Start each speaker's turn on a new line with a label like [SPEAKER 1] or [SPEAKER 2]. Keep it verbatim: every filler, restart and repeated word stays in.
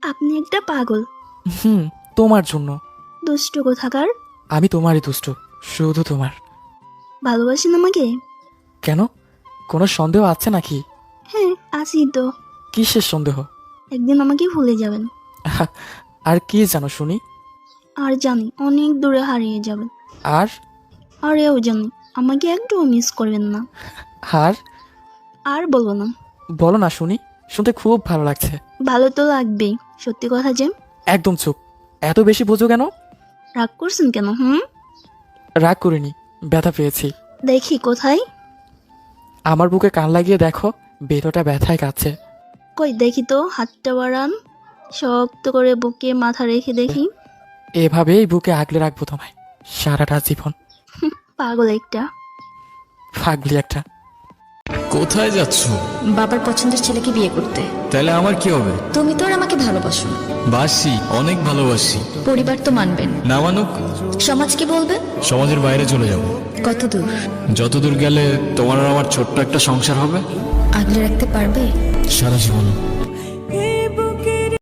[SPEAKER 1] আপনি একটা পাগল।
[SPEAKER 2] হুম, তোমার জন্য।
[SPEAKER 1] দুষ্ট কোথাকার।
[SPEAKER 2] আমি তোমারই দুষ্ট, শুধু তোমার।
[SPEAKER 1] ভালোবাসেন আমাকে?
[SPEAKER 2] কেন, কোনো সন্দেহ আছে নাকি?
[SPEAKER 1] হ্যাঁ, আছি তো।
[SPEAKER 2] কিসের সন্দেহ?
[SPEAKER 1] একদিন আমাকে ভুলে যাবেন।
[SPEAKER 2] আর কি জানো শুনি?
[SPEAKER 1] আর জানি অনেক দূরে হারিয়ে যাবেন।
[SPEAKER 2] আর
[SPEAKER 1] আর এও জানি আমাকে একটুও মিস করবেন না।
[SPEAKER 2] আর
[SPEAKER 1] আর বলবো না।
[SPEAKER 2] বলো না শুনি, শুনতে খুব ভালো লাগছে।
[SPEAKER 1] ভালো তো লাগবেই, সত্যি কথা যে।
[SPEAKER 2] একদম চুপ, এত বেশি বোঝো কেন?
[SPEAKER 1] রাগ করছেন কেন? হুম,
[SPEAKER 2] রাগ করিনি, ব্যথা পেয়েছি।
[SPEAKER 1] দেখি কোথায়।
[SPEAKER 2] আমার বুকে কান লাগিয়ে দেখো, বেরোটা ব্যথায় কাচ্ছে।
[SPEAKER 1] কই দেখি তো, হাতটা বাড়ান। শক্ত করে বুকে মাথা রেখে দেখি।
[SPEAKER 2] এভাবেই বুকে আগলে রাখবো তোমায় সারাটা জীবন।
[SPEAKER 1] পাগল একটা।
[SPEAKER 2] পাগলি একটা।
[SPEAKER 3] কোথায় যাচ্ছ?
[SPEAKER 4] বাবার পছন্দের ছেলেকে বিয়ে করতে।
[SPEAKER 3] তাহলে আমার কি হবে?
[SPEAKER 4] তুমি তো আর আমাকে ভালোবাসো না।
[SPEAKER 3] বাসি, অনেক ভালোবাসি।
[SPEAKER 4] পরিবার তো মানবেন।
[SPEAKER 3] না মানুক,
[SPEAKER 4] সমাজ কি বলবে?
[SPEAKER 3] সমাজের বাইরে চলে যাব।
[SPEAKER 4] কত দূর?
[SPEAKER 3] যতদূর গেলে তোমার আর আমার ছোট্ট একটা সংসার হবে।
[SPEAKER 4] আগলে রাখতে পারবে?
[SPEAKER 3] সারা জীবন।